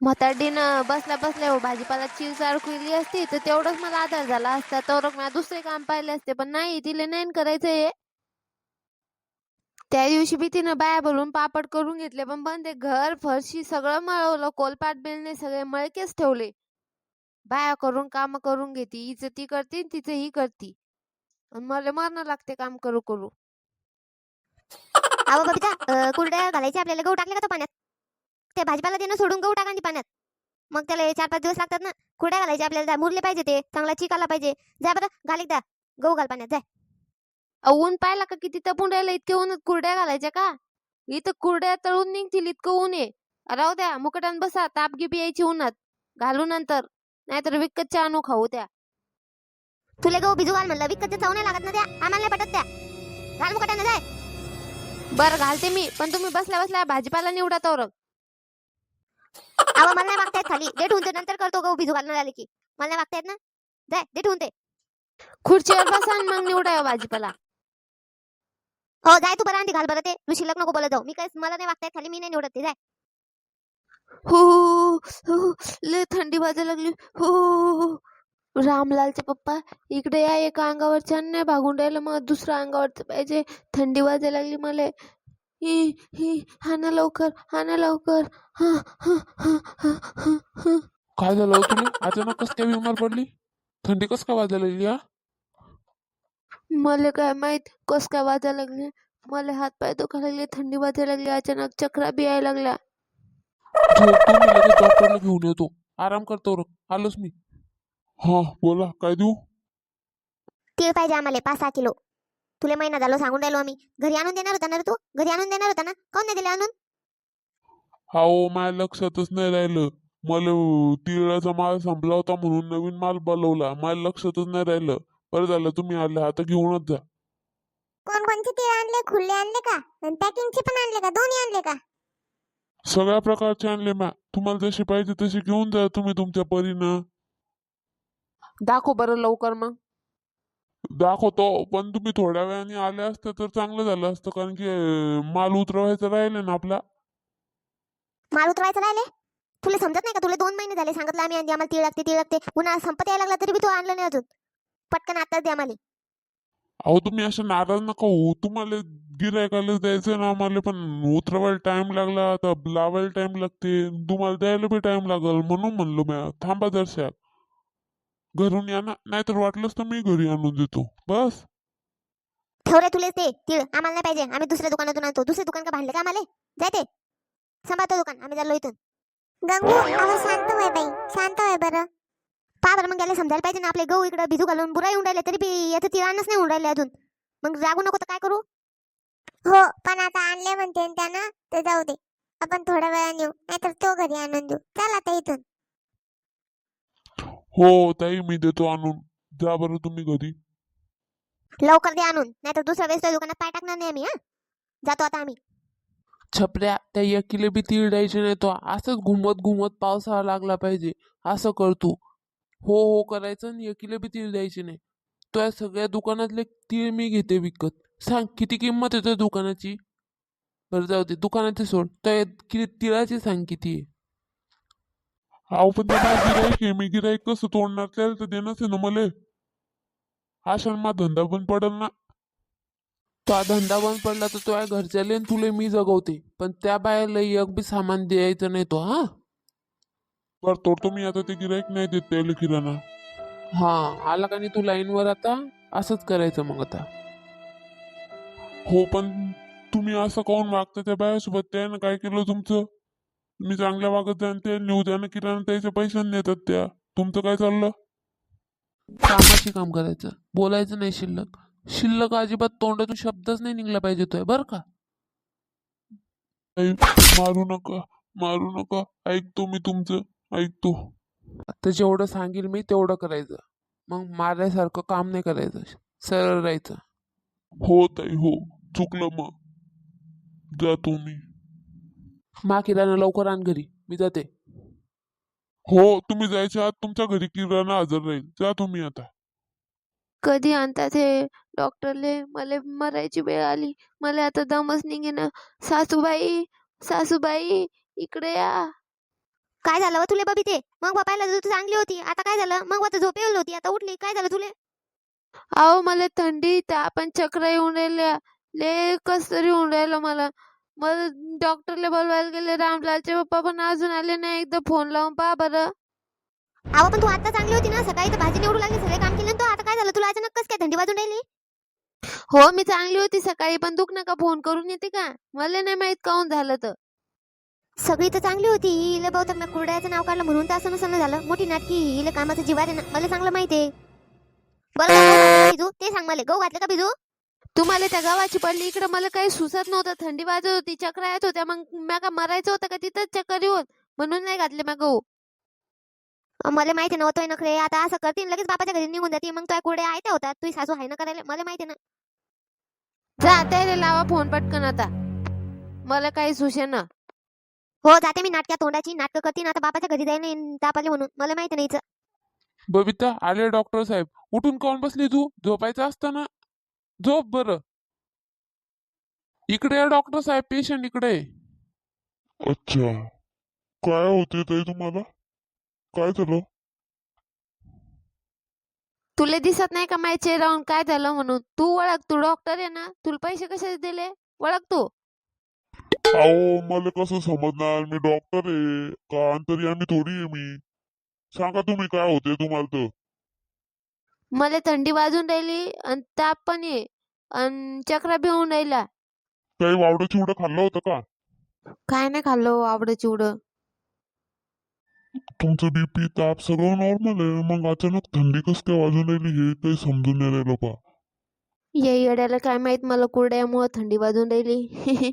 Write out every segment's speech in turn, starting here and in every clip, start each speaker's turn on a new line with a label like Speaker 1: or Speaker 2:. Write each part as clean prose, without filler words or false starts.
Speaker 1: म्हातारडीनं बसल्या बसल्या भाजीपाला चिप्स अडकविली असती तर तेवढंच मला आधार झाला असता. तर मला दुसरे काम पाहिले असते, पण नाही, तिला नाही करायचं हे. त्या दिवशी बी तिनं बाया बोलून पापड करून घेतले, पण ते घर फरशी सगळं मळवलं, कोलपाट बेलणे सगळे मळकेच ठेवले. बाया करून काम करून घेते, हिचं ती करते तिचं ही करती, मला मरणं लागते काम करू करू.
Speaker 2: अहो बबिता, कुरड्या घालायचे आपल्याला. गहू टाकले का तो पाण्यात? ते भाजीपाला देणं सोडून गहू टाका पाण्यात. मग त्याला 4-5 दिवस लागतात ना. कुरड्या घालायचे आपल्याला, मुरले पाहिजे, ते चांगला चिक आला पाहिजे. जा बरं, घाल एकदा गहू, घाल पाण्यात, जाय.
Speaker 1: ऊन पाहिला का किती तपून राहिलं? इतके ऊन कुरड्या घालायच्या का? इथं कुरड्या तळून निघतील इतकं ऊन आहे. राहू द्या, मुकटान बसा, ताप गिप यायची उन्हात. घालू नंतर, नाहीतर विकतच्या आणू खाऊ त्या.
Speaker 2: तुला गहू भिजू घाल म्हणलं, विकतच्या चव नाही लागत ना त्या, आम्हाला नाही पटत त्या. घाल मुकटाने, जाय.
Speaker 1: बरं घालते मी, पण तुम्ही बसल्या बसल्या भाजीपाला निवडा तोरक.
Speaker 2: अहो मला नाही वागता येत खाली, दे ठेवून, ते नंतर करतो गहू भिजू घालणं झाले की. मला नाही वागता येत ना, जाय दे ठेवून ते.
Speaker 1: खुर्चीवर बसा आणि मग निवडा भाजीपाला.
Speaker 2: हो जाय तू, बरं आंधी घाल बरं ते. तू शिल्लक नको बोलत जाऊ. मी काय, मला नाही वागता येत खाली, मी नाही निवडत ते, जाय.
Speaker 1: हो हो, लय थंडी वाजायला लागली. हो, रामलालचे पप्पा इकडे या. एका अंगावर छान नाही भागून राहिलं, मग दुसऱ्या अंगावरच पाहिजे. थंडी वाजायला लागली मला. ही ही हा ना लवकर, हा ना लवकर. हा हा हा हा हा हा.
Speaker 3: काय झालं हो तुला? अचानक कस काय बिमार पडली? थंडी कस काय वाजायला लागली? हा,
Speaker 1: मला काय माहित कस काय वाजायला लागले. मला हात पाय दुखायला लागले, थंडी वाजायला लागली, अचानक चक्रा बी यायला लागल्या.
Speaker 3: झोपतो मी, लगेच डॉक्टरला घेऊन येतो. आराम करतो रे, आलोच मी. हा बोला, काय देऊ?
Speaker 2: तीळ पाहिजे आम्हाला 5-6 किलो. तुला महिना झालो सांगून राहिलो आम्ही. घरी आणून देणार होता ना रे तू? घरी आणून देणार होता ना, काऊन नाही दिले आणून?
Speaker 3: हो, माझ्या लक्षातच नाही राहिलं. मला तिळाचा माल संपला होता म्हणून नवीन माल बोलवला, माझ्या लक्षातच नाही राहिलं. बरं झालं तुम्ही आले, आता घेऊनच जा.
Speaker 2: कोणकोणते तीळ आणले? खुले आणले का? पॅकिंगचे पण आणले का? दोन्ही आणले का?
Speaker 3: सगळ्या प्रकारचे आणले म्या. तुम्हाला जशी पाहिजे तशी घेऊन जा तुम्ही तुमच्या परीनं.
Speaker 1: दाखव बरं लवकर मग.
Speaker 3: दाखवतो, पण तुम्ही थोड्या वेळाने आले असते तर चांगलं झालं असतं, कारण की माल उतरवायचा राहिले ना आपला.
Speaker 2: माल उतरवायचं राहिले? तुला समजत नाही का? तुला 2 महिने झाले सांगितलं आम्ही, आम्हाला तीळ लागते, तीळ लागते. पुन्हा संपत यायला लागला तरी बी तू आणलं नाही अजून. पटकन आताच द्या आम्हाला.
Speaker 3: अहो तुम्ही असं नाराज नका होऊ. तुम्हाला गिरायकाला द्यायचं ना आम्हाला, पण उतरवायला टाइम लागला, आता लावायला टाइम लागते, तुम्हाला द्यायला बी टाइम लागल, म्हणून म्हणलो म्या थांबा जरशा. घरून या ना, नाहीतर वाटलंच तर मी घरी आणून देतो बस.
Speaker 2: ठेव रे तुले ते तीळ, आम्हाला नाही पाहिजे. आम्ही दुसऱ्या दुकानातून आणतो. दुसरे दुकान का भांडले का आम्हाला? जाय ते, सांभाळतो दुकान, आम्ही चाललो इथून. गंगू, अहो शांत होय बाई, शांत होय बरं. पा बरं, मग याला समजायला पाहिजे ना, आपले गहू इकडे भिजू घालून बुरा येऊन राहिले, तरी बी याचं तीळ आणच नाही होऊन राहिले अजून. मग रागू नको तर काय करू? हो, पण आता आणले म्हणते त्यानं, तर जाऊ दे. आपण थोड्या वेळाने येऊ, नाहीतर तो घरी आणून देऊ. चल आता इथून.
Speaker 3: हो ताई, मी देतो आणून. जा बरं तुम्ही घरी.
Speaker 2: लवकर दे आणून, नाहीतर दुसऱ्या वेळेस त्या दुकानात पाय टाकणार नाही आम्ही. हा, जातो आता आम्ही.
Speaker 3: छपऱ्या, त्या एकीले बी तीळ द्यायचे नाही, तो असंच घुमत घुमत पावसाळा लागला पाहिजे असं कर तू. हो हो करायचं आणि एकीले बी तीळ द्यायचे नाही. तो या सगळ्या दुकानातले तीळ मी घेते विकत. सांग किती किंमत आहे त्या दुकानाची? बरं जाऊ दे, दुकानाची सोड, त्या तिळाची सांग किती आहे? अहो पण ते माझं गिराईक आहे, मी गिराईक कसं तोडणार? त्याला तर देणंच आहे ना मले. अशा मा धंदा पण पडल ना. तो धंदा बंद पडला तर तो घरच्याले आणि तुले मी जगवते, पण त्या बायाला एक बी सामान द्यायचं नाही तो. हा बर, तोडतो मी आता. ते गिराईक नाही देत त्याला किराणा. हा आला का नाही तू लाईनवर? आता असंच करायचं मग आता. हो पण तुम्ही असं काऊन वागता त्या बायासोबत? त्यानं काय केलं तुमचं? मी चांगल्या वागत जाण, ते नेऊ द्या ना किराणा, त्याचे पैसे देतात त्या. तुमचं काय चाललं? कामाची काम करायचं, बोलायचं नाही शिल्लक. शिल्लक अजिबात तोंडातून शब्दच नाही निघला पाहिजे तो, बरं का? मारू नका, मारू नका. ऐकतो मी तुमचं, ऐकतो. आता जेवढं सांगेल मी तेवढं करायचं, मग मारल्यासारखं काम नाही करायचं, सरळ राहायचं. हो ताई हो, चुकलं, मग जातो मी. मा किराणा लवकर आण घरी, मी जाते. हो, तुम्ही जायच्या आत तुमच्या घरी किराणा हजर राहील. जा तुम्ही आता.
Speaker 1: कधी आणतात हे डॉक्टरले? मला मरायची वेळ आली, मला आता दमच निघेना. सासूबाई, सासूबाई, इकडे या.
Speaker 2: काय झालं व तुले बबी ते? मग बापायला तू चांगली होती, आता काय झालं? मग आता झोप येऊन होती, आता उठली, काय झालं तुले?
Speaker 1: अहो मला थंडी ताप आणि चक्र येऊन राहिल्या. ले कस तरी होऊन राहिलं मला. मला डॉक्टरला बोलवायला गेले, रामलालचे पप्पा पण अजून आले नाही. एकदा फोन लावून पहा बरं.
Speaker 2: अहो पण तू आता चांगली होती ना, सकाळी तर भाजी निवडू लागली, सगळे काम केले ना तू, आता काय झालं तुला? अचानक कस काय थंडी वाजून राहिली?
Speaker 1: हो मी चांगली होती सकाळी, पण दुख नका फोन करून येते का? मला नाही माहित काहून झालं तर.
Speaker 2: सगळी तर चांगली होती, हिला बहुतेक मी कुरड्याचं नाव काढलं म्हणून तर असं नसलं झालं. मोठी नाटकी, हिला कामाचं जीवार आहे ना, मला चांगलं माहिती आहे. बरं गहू घातले का बिजू? ते सांग मला, गहू घातले का बिजू?
Speaker 1: तुम्हाला त्या गावाची पडली इकडं, मला काही सुचत नव्हतं. थंडी वाजत होती, चक्र येत होत्या. मग म्या का मरायचं होतं का तिथंच चक्कर येऊन? म्हणून नाही घातले म्या गहू.
Speaker 2: मला माहिती नव्हतोय नखरे, आता असं करतील लगेच बापाच्या घरी निघून जाते. मग तुझ्या कुरड्या आहे त्या होतात, तुझी सासू आहे ना करायला, मला माहिती ना.
Speaker 1: जा त्याला लावा फोन पटकन आता. मला काही सुचेना.
Speaker 2: हो जाते मी, नाटक्या तोंडाची नाटकं करते ना, आता बापाच्या घरी जाईन ताप आले म्हणून, मला माहिती नाही हिचं.
Speaker 3: बबिता आले डॉक्टर साहेब. उठून काऊन बसली तू? झोपायचं असतं ना. झोप बरं. इकडे या डॉक्टर साहेब, पेशंट इकडे आहे.
Speaker 4: अच्छा, काय होते ताई तुम्हाला? काय झालं?
Speaker 1: तुला दिसत नाही का माझ्या चेहऱ्यावरून काय झालं म्हणून? तू ओळख, तू डॉक्टर आहे ना. तुला पैसे कशाचे दिले? ओळख तू.
Speaker 4: अहो मला कसं समजणार, मी डॉक्टर आहे का अंतर्यामी थोडी आहे मी. सांगा तुम्ही काय होते तुम्हाला तर.
Speaker 1: मला थंडी वाजून राहिली आणि ताप पण आहे आणि चक्रा बी होऊन राहिला.
Speaker 4: काही वावडं चिवडं खाल्लं होतं का?
Speaker 1: काय नाही खाल्लं हो आवडं चिवडं.
Speaker 4: तुमचं बीपी ताप सगळं नॉर्मल आहे, मग अचानक थंडी कसं काय वाजून राहिली हे काही समजून नाही राहिलं पा.
Speaker 1: या येड्याला काय माहित मला कुरड्यामुळे थंडी वाजून राहिली.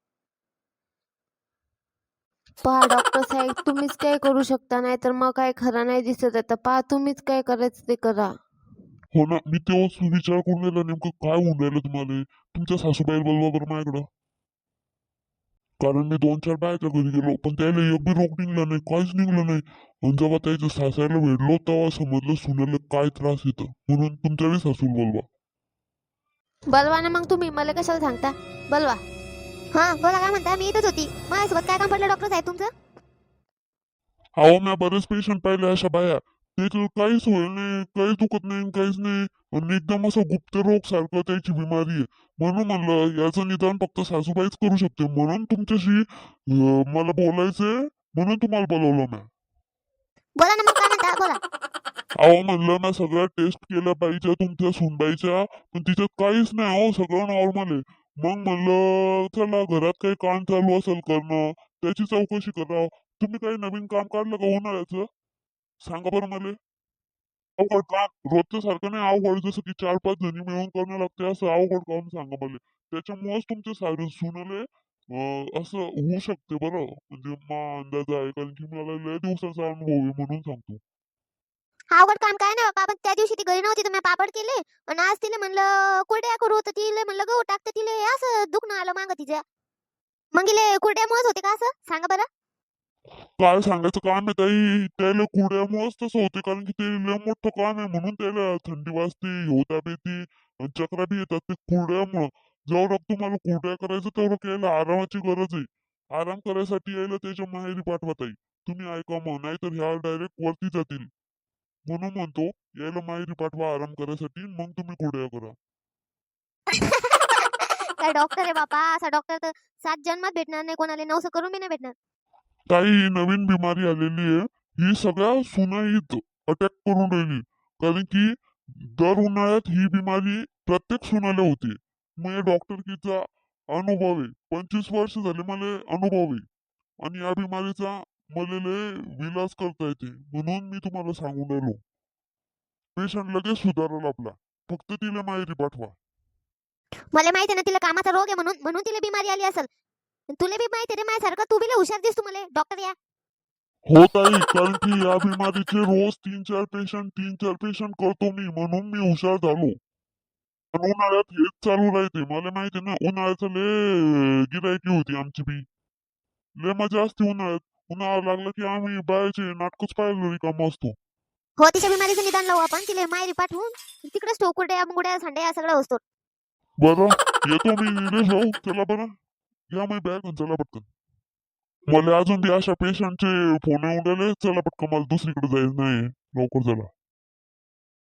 Speaker 1: पहा डॉक्टर साहेब, तुम्हीच काय करू शकता, नाही तर मग काय खरं नाही दिसत आता. पहा तुम्हीच काय करायचं ते करा.
Speaker 4: हो ना, मी तेव्हाच विचार करून राहिला नेमकं काय होऊन राहिलं तुम्हाला. तुमच्या सासूबाईला बोलवा बरं माझ्याकडं. कारण मी 2-4 बायच्या घरी गेलो, पण त्याला एक बी रोग निघला नाही, काहीच निघलं नाही. आणि जेव्हा त्याच्या सासायला भेटलो तेव्हा समजलं सुनेला काय त्रास येतो, म्हणून तुमच्या बी सासूला बोलवा.
Speaker 1: बलवा ना मग तुम्ही, मला कशाला सांगता? बलवा.
Speaker 2: हा बोला, काय म्हणता? मी इथंच होती. माझ्यासोबत काय काम पडलं डॉक्टर साहेब तुमचं?
Speaker 4: अहो मी बरेच पेशंट पाहिले अशा बाया, त्याचं काहीच होईल नाही, काहीच दुखत नाही, काहीच नाही. आणि एकदम असं गुप्त रोग सारखं त्याची बिमारी आहे. म्हणून म्हणलं याचं निदान फक्त सासूबाईच करू शकते, म्हणून तुमच्याशी मला बोलायचंय, म्हणून तुम्हाला बोलवलं मी.
Speaker 2: बोला ना मग, काय म्हणता बोला.
Speaker 4: अहो म्हणलं ना सगळ्या टेस्ट केल्या पाहिजे तुमच्या सुनबाईच्या, पण तिच्यात काहीच नाही. अहो सगळं नॉर्मल आहे. मग म्हणलं चला घरात काही काम चालू असेल करणं, त्याची चौकशी करा. तुम्ही काही नवीन काम काढलं का उन्हाळ्याचं? सांगा बरं मला. अवघड काम रोजच्या सारखं नाही अवघड, जसं की 4-5 जणी मिळून करणं लागते असं अवघड काम सांगा मला. त्याच्यामुळेच तुमच्या सारे सुनले असं होऊ शकते बरं, म्हणजे मा अंदाज आहे, कारण की मला लय दिवसाचा अनुभव आहे म्हणून सांगतो.
Speaker 2: अवघड काम काय नाही बाबा, पण त्या दिवशी ती घरी नव्हती तर मी पापड केले, आणि आज तिला म्हणलं कुरड्या करू, तर तिला म्हणलं गहू टाकते, तिला असं दुखणं आलं मागं तिच्या. मग इले कुरड्यामुळेच होते का असं? सांगा बरं.
Speaker 4: काय सांगायचं काम आहे ताई, त्याला कुरड्यामुळेच तसं होते, कारण की ते लय मोठं काम आहे म्हणून त्याला थंडी वाजते, होता येते आणि चक्रा बी येतात ते कुरड्यामुळं. जेवढं तुम्हाला कुरड्या करायचं तेवढं केलं, आरामाची गरज आहे. आराम करायसाठी यायला त्याच्या माहेरी पाठवा ताई. तुम्ही ऐका मग, नाही तर ह्या डायरेक्ट वरती जातील. म्हणून म्हणतो यायला माहेरी पाठवा आराम करायसाठी, मग तुम्ही कुरड्या करा.
Speaker 2: काय डॉक्टर आहे बापा, असा डॉक्टर तर 7 जन्मात भेटणार नाही कोणाला, 9 करून बी नाही भेटणार.
Speaker 4: काही नवीन बिमारी आलेली आहे, ही सगळ्या सुनाईत अटॅक करून राहिली. कारण की दर उन्हाळ्यात ही बिमारी प्रत्येक सुनाला होती. मग या डॉक्टरकीचा अनुभव आहे, 25 वर्ष झाले मला अनुभव आहे. आणि या बिमारीचा मला लय विलास करता येते, म्हणून मी तुम्हाला सांगून राहिलो. पेशंट लगेच सुधारल आपला, फक्त तिला माहेरी पाठवा.
Speaker 2: मला माहिती आहे ना तिला कामाचा रोग आहे, म्हणून म्हणून तिला बिमारी आली असेल. तुला बी माहिती रे माझ्यासारखं, तू बी लय हुशार दिसतो मला डॉक्टर या.
Speaker 4: होत आहे, कारण की या बिमारीचे रोज 3-4 पेशंट करतो मी, म्हणून मी हुशार झालो. पण उन्हाळ्यात हेच चालू राहते, मला माहिती ना. उन्हाळ्याचं लय गिरायकी होती आमची बी, लय मजा असते उन्हाळ्यात. उन्हाळा लागला की आम्ही बायाचे नाटकच पाहायला रिकामं असतो.
Speaker 2: हो, तिच्या बिमारीचं निदान लावू आपण, तिला माहेरी पाठवून तिकडेच ठेवू, कुरड्या मुंगड्या सांड्या सगळं असतो.
Speaker 4: बरं येतो मी निलेश भाऊ, चला बरं घ्या मी बॅग आणि चला पटकन. मला अजून बी अशा पेशंटचे फोन येऊन राहिले. चला पटकन, मला दुसरीकडे जायचं नाही. लवकर चला.